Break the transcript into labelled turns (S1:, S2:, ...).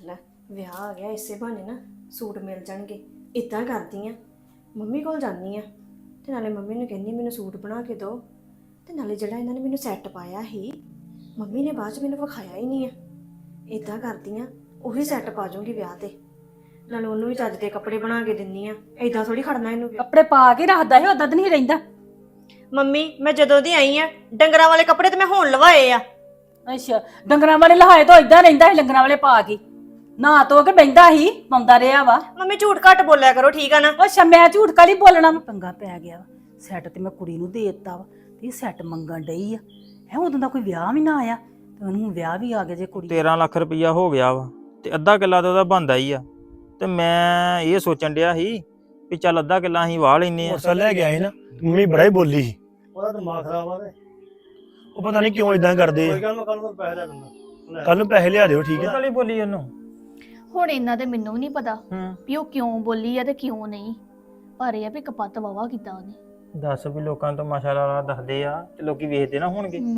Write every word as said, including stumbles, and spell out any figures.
S1: ਲੈ ਵਿਆਹ ਆ ਗਿਆ, ਇਸੇ ਬਹਾਨੇ ਨਾ ਸੂਟ ਮਿਲ ਜਾਣਗੇ। ਇਦਾਂ ਕਰਦੀ ਆ, ਮੰਮੀ ਕੋਲ ਜਾਂਦੀ ਆ ਤੇ ਨਾਲੇ ਮੰਮੀ ਨੂੰ ਕਹਿੰਦੀ ਮੈਨੂੰ ਸੂਟ ਬਣਾ ਕੇ ਦਿਓ, ਤੇ ਨਾਲੇ ਜਿਹੜਾ ਇਹਨਾਂ ਨੇ ਮੈਨੂੰ ਸੈੱਟ ਪਾਇਆ ਸੀ ਮੰਮੀ ਨੇ ਬਾਅਦ ਚ ਮੈਨੂੰ ਵਿਖਾਇਆ ਹੀ ਨਹੀਂ ਆ। ਇਦਾਂ ਕਰਦੀ ਆ, ਉਹੀ ਸੈੱਟ ਪਾ ਜਾਊਂਗੀ ਵਿਆਹ ਤੇ, ਨਾਲੇ ਉਹਨੂੰ ਵੀ ਚੱਜ ਦੇ ਕੱਪੜੇ ਬਣਾ ਕੇ ਦਿੰਨੀ ਆ। ਏਦਾਂ ਥੋੜੀ ਖੜਨਾ ਇਹਨੂੰ।
S2: ਕੱਪੜੇ ਪਾ ਕੇ ਰੱਖਦਾ ਹੈ, ਉਦਾਂ ਤਾਂ ਨਹੀਂ ਰਹਿੰਦਾ।
S1: ਮੰਮੀ ਮੈਂ ਜਦੋਂ ਦੀ ਆਈ ਆ ਡੰਗਰਾਂ ਵਾਲੇ ਕੱਪੜੇ ਤੇ ਮੈਂ ਹੁਣ ਲਵਾਏ ਆ।
S2: ਅੱਛਾ, ਡੰਗਰਾਂ ਵਾਲੇ ਲਹਾਏ ਤਾਂ ਇਦਾਂ ਰਹਿੰਦਾ ਸੀ, ਡੰਗਰਾਂ ਵਾਲੇ ਪਾ ਕੇ ਨਾ ਧੋ ਕੇ ਬਹਿੰਦਾ ਹੀ, ਪਾਉਂਦਾ ਰਿਹਾ ਵਾ।
S1: ਮੰਮੀ ਝੂਠ ਘੱਟ ਬੋਲਿਆ ਕਰੋ, ਠੀਕ ਆ ਨਾ।
S2: ਅੱਛਾ, ਮੈਂ ਝੂਠ ਕਾਲੀ ਬੋਲਣਾ, ਪੰਗਾ ਪੈ ਗਿਆ ਵਾ। ਸੈੱਟ ਤੇ ਮੈਂ ਕੁੜੀ ਨੂੰ ਦੇ ਦਿੱਤਾ ਵਾ, ਤੇ ਇਹ ਸੈੱਟ ਮੰਗਣ ਡਈ ਆ। ਹੈ ਉਦੋਂ ਦਾ ਕੋਈ ਵਿਆਹ ਵੀ ਨਾ ਆਇਆ ਤੇ ਉਹਨੂੰ ਵਿਆਹ ਵੀ ਆ ਗਿਆ ਜੇ ਕੁੜੀ।
S3: ਤੇਰਾਂ ਲੱਖ ਰੁਪਈਆ ਹੋ ਗਿਆ ਵਾ ਤੇ ਅੱਧਾ ਕਿੱਲਾ ਤਾਂ ਉਹਦਾ ਬਣਦਾ ਹੀ ਆ। ਤੇ ਮੈਂ ਇਹ ਸੋਚਣ ਡਿਆ ਸੀ ਵੀ ਚੱਲ ਅੱਧਾ ਕਿੱਲਾ ਅਸੀਂ ਵਾਹ ਲੈਨੇ ਆ।
S4: ਮੋਟਰਸਾਈਕਲ ਲੈ ਕੇ ਆਏ ਨਾ, ਮੰਮੀ ਬੜਾ ਹੀ ਬੋਲੀ ਸੀ।
S5: ਉਹਦਾ ਦਿਮਾਗ ਖਰਾਬ ਆ ਤੇ
S4: ਉਹ ਪਤਾ ਨਹੀਂ ਕਿਉਂ ਇਦਾਂ ਕਰਦੇ
S5: ਕੋਈ ਗੱਲ ਮੈਂ ਕੱਲ ਨੂੰ ਪੈਸੇ ਲੈ ਦਿੰਦਾ।
S4: ਕੱਲ ਨੂੰ ਪੈਸੇ ਲਿਆ ਦਿਓ, ਠੀਕ
S3: ਇਹ
S4: ਹੈ।
S3: ਕਾਲੀ ਬੋਲੀ ਉਹਨੂੰ।
S6: ਹੁਣ ਇਹਨਾਂ ਦੇ ਮੈਨੂੰ ਵੀ ਨਹੀਂ ਪਤਾ
S3: ਹੂੰ
S6: ਵੀ ਉਹ ਕਿਉਂ ਬੋਲੀ ਆ ਤੇ ਕਿਉਂ ਨਹੀਂ, ਪਰ ਇਹ ਆ ਵੀ ਕਪੱਤ ਵਾਵਾ ਕੀਤਾ ਉਹਨੇ।
S3: ਦੱਸ ਵੀ ਲੋਕਾਂ ਤੋਂ ਮਾਸ਼ਾਅੱਲਾ ਦੱਸਦੇ ਆ ਤੇ ਲੋਕੀ ਵੇਖਦੇ ਨਾ ਹੋਣਗੇ।